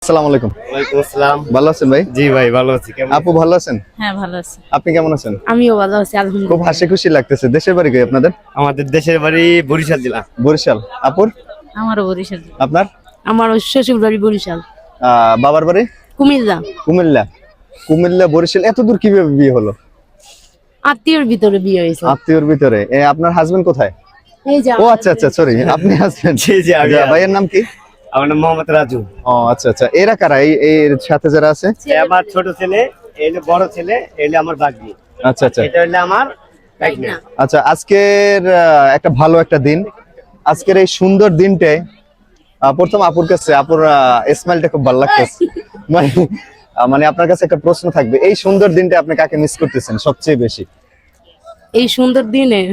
আসসালামু আলাইকুম। ওয়ালাইকুম আসসালাম। ভালো আছেন ভাই? জি ভাই ভালো আছি। কেমন? আপু ভালো আছেন? হ্যাঁ, ভালো আছি। আপনি কেমন আছেন? আমিও ভালো আছি খুব আলহামদুলিল্লাহ। হাসি খুশি লাগতেছে। দেশের বাড়ি কই আপনাদের? আমাদের দেশের বাড়ি বরিশাল জেলা। বরিশাল। আপুর? আমারও বরিশাল। আপনার? আমার শ্বশুর বাড়ি বরিশাল। বাবার বাড়ি? কুমিল্লা। কুমিল্লা। কুমিল্লা বরিশাল এত দূর কিভাবে বিয়ে হলো? আত্মীয়র ভিতরে বিয়ে হয়েছে। আত্মীয়র ভিতরে। আপনার হাজবেন্ড কোথায়? এই যে ও আচ্ছা আচ্ছা সরি, আপনি হাজবেন্ড। জি, জি, আমি ভাইয়ের নাম কি? আমার নাম মোহাম্মদ রাজু। ও আচ্ছা আচ্ছা। এরা কারা এর সাথে যারা আছে? এ আমার ছোট ছেলে, এই যে বড় ছেলে, এই যে আমার ভাগ্নি। আচ্ছা আচ্ছা। এটা হলো আমার ভাগ্না। আচ্ছা আজকের একটা ভালো একটা দিন। আজকের এই সুন্দর দিনটায় প্রথম আপুর কাছে আপুর স্মাইলটা খুব ভালো লাগতেছে। মানে আপনার কাছে একটা প্রশ্ন থাকবে, এই সুন্দর দিনটা আপনি কাকে মিস করতেছেন সবচেয়ে বেশি? এই সুন্দর দিনে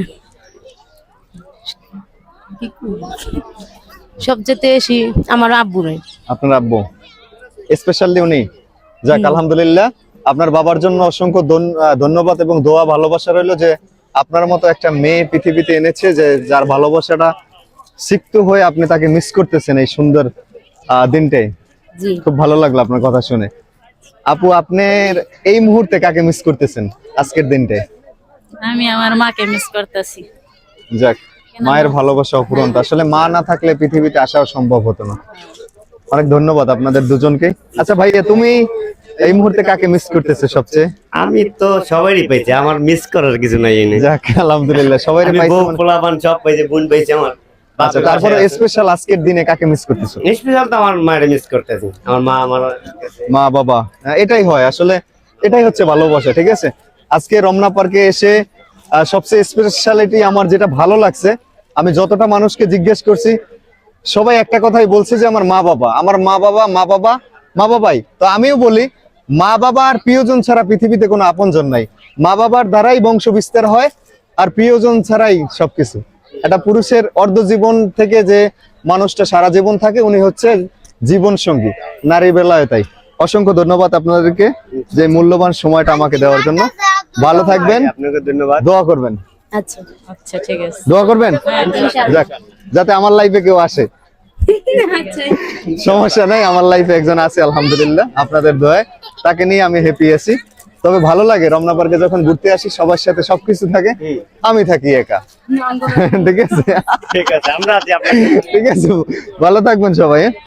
সবচেয়ে বেশি আমার আব্বু রে। আপনার আব্বু স্পেশালি উনি? যাক আলহামদুলিল্লাহ, আপনার বাবার জন্য অসংখ্য ধন্যবাদ এবং দোয়া ভালোবাসা রইলো যে আপনার মতো একটা মেয়ে পৃথিবীতে এনেছে, যে যার ভালোবাসাটা সিক্ত হয়ে আপনি তাকে মিস করতেছেন এই সুন্দর দিনটাই। জি। খুব ভালো লাগলো আপনার কথা শুনে। আপু আপনার এই মুহূর্তে কাকে মিস করতেছেন আজকের দিনটায়? আমি আমার মাকে মিস করতেছি। যাক, মায়ের ভালোবাসা অফুরন্ত। আসলে মা না থাকলে পৃথিবীতে আসাও সম্ভব হতো না। অনেক ধন্যবাদ আপনাদের দুজনকে। আচ্ছা ভাইয়া, তুমি এই মুহূর্তে কাকে মিস করতেছে সবচেয়ে? আমি তো সবারই পাইছি, আমার মিস করার কিছু নাই এনে। যাক আলহামদুলিল্লাহ, সবাই আমি পাইছে। বউ পোলাপান সব পাইছে, বোন পাইছে আমার। আচ্ছা, তারপরে স্পেশাল আজকের দিনে কাকে মিস করতেছো? স্পেশাল তো আমার মায়ের মিস করতেছি, আমার মা আমার মা বাবা। এটাই হয় আসলে, এটাই হচ্ছে ভালোবাসা। ঠিক আছে, আজকে রমনা পার্কে এসে সবচেয়ে স্পেশালিটি আমার যেটা ভালো লাগছে, আমি যতটা মানুষকে জিজ্ঞেস করছি সবাই একটা কথাই বলছে যে আমার মা বাবা, আমার মা বাবা, মা বাবা, মা বাবাই। তো আমিও বলি, মা বাবা আর প্রিয়জন ছাড়া পৃথিবীতে কোনো আপনজন নাই। মা বাবার দ্বারাই বংশ বিস্তার হয়, আর প্রিয়জন ছাড়াই সবকিছু। একটা পুরুষের অর্ধ জীবন থেকে যে মানুষটা সারা জীবন থাকে, উনি হচ্ছে জীবন সঙ্গী। নারী বেলায় তাই। অসংখ্য ধন্যবাদ আপনাদেরকে যে মূল্যবান সময়টা আমাকে দেওয়ার জন্য। ভালো থাকবেন, আপনাকে ধন্যবাদ। দোয়া করবেন। আচ্ছা আচ্ছা, ঠিক আছে। দোয়া করবেন যাক, যাতে আমার লাইফে কেউ আসে। আচ্ছা। সমস্যা নাই, আমার লাইফে একজন আছে আলহামদুলিল্লাহ, আপনাদের দোয়ায় তাকে নিয়ে আমি হ্যাপি আছি। তবে ভালো লাগে রমনা পার্কে যখন ঘুরতে আসি, সবার সাথে সবকিছু থাকে, আমি থাকি একা। ঠিক আছে, ঠিক আছে, আমরা আছি আপনার। ঠিক আছে, ভালো থাকবেন সবাই।